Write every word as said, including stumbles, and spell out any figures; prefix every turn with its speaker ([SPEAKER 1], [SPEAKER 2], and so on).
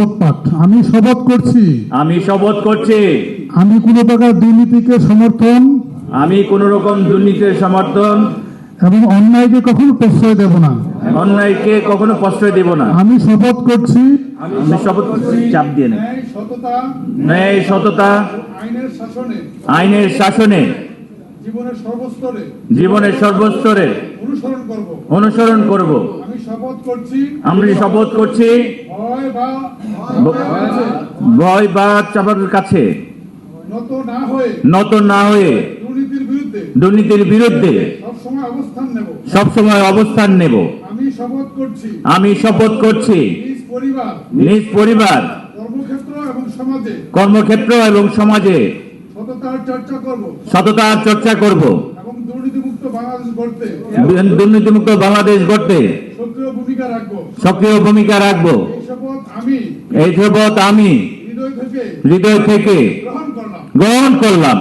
[SPEAKER 1] শপথ পাঠ। আমি শপথ করছি
[SPEAKER 2] আমি শপথ করছি
[SPEAKER 1] আমি কোনো প্রকার দুর্নীতিকে সমর্থন
[SPEAKER 2] আমি কোন রকম দুর্নীতির সমর্থন
[SPEAKER 1] এবং অন্যায়কে কখনো প্রশ্রয় দেব না।
[SPEAKER 2] অন্যায়কে কখনো প্রশ্রয় দেব না।
[SPEAKER 1] আমি শপথ করছি
[SPEAKER 2] আমি শপথ করছি চাপ দিয়ে নেই
[SPEAKER 3] ন্যায় সততা
[SPEAKER 2] ন্যায় সততা
[SPEAKER 3] আইনের শাসনে
[SPEAKER 2] আইনের শাসনে
[SPEAKER 3] জীবনের সর্বস্তরে
[SPEAKER 2] জীবনের সর্বস্তরে
[SPEAKER 3] অনুসরণ করব।
[SPEAKER 2] অনুসরণ করব।
[SPEAKER 3] আমি শপথ করছি
[SPEAKER 2] আমি শপথ করছি
[SPEAKER 3] ভয় বা
[SPEAKER 2] ভয় বা চাপার কাছে
[SPEAKER 3] নত না হয়ে
[SPEAKER 2] নত না হয়ে
[SPEAKER 3] দুর্নীতির বিরুদ্ধে
[SPEAKER 2] দুর্নীতির বিরুদ্ধে
[SPEAKER 3] সবসময় অবস্থান নেব।
[SPEAKER 2] সবসময় অবস্থান নেব।
[SPEAKER 3] আমি শপথ করছি
[SPEAKER 2] আমি শপথ করছি
[SPEAKER 3] নিজ পরিবার
[SPEAKER 2] নিজ পরিবার
[SPEAKER 3] কর্মক্ষেত্র এবং সমাজে
[SPEAKER 2] কর্মক্ষেত্র এবং সমাজে
[SPEAKER 3] সততার চর্চা করব
[SPEAKER 2] সততার চর্চা করব
[SPEAKER 3] এবং দুর্নীতিমুক্ত বাংলাদেশ গড়তে
[SPEAKER 2] দুর্নীতিমুক্ত বাংলাদেশ গড়তে
[SPEAKER 3] সক্রিয় ভূমিকা রাখব।
[SPEAKER 2] সক্রিয় ভূমিকা রাখব।
[SPEAKER 3] এই শপথ আমি
[SPEAKER 2] এই শপথ আমি
[SPEAKER 3] হৃদয় থেকে
[SPEAKER 2] হৃদয় থেকে
[SPEAKER 3] গ্রহণ করলাম।
[SPEAKER 2] গ্রহণ করলাম।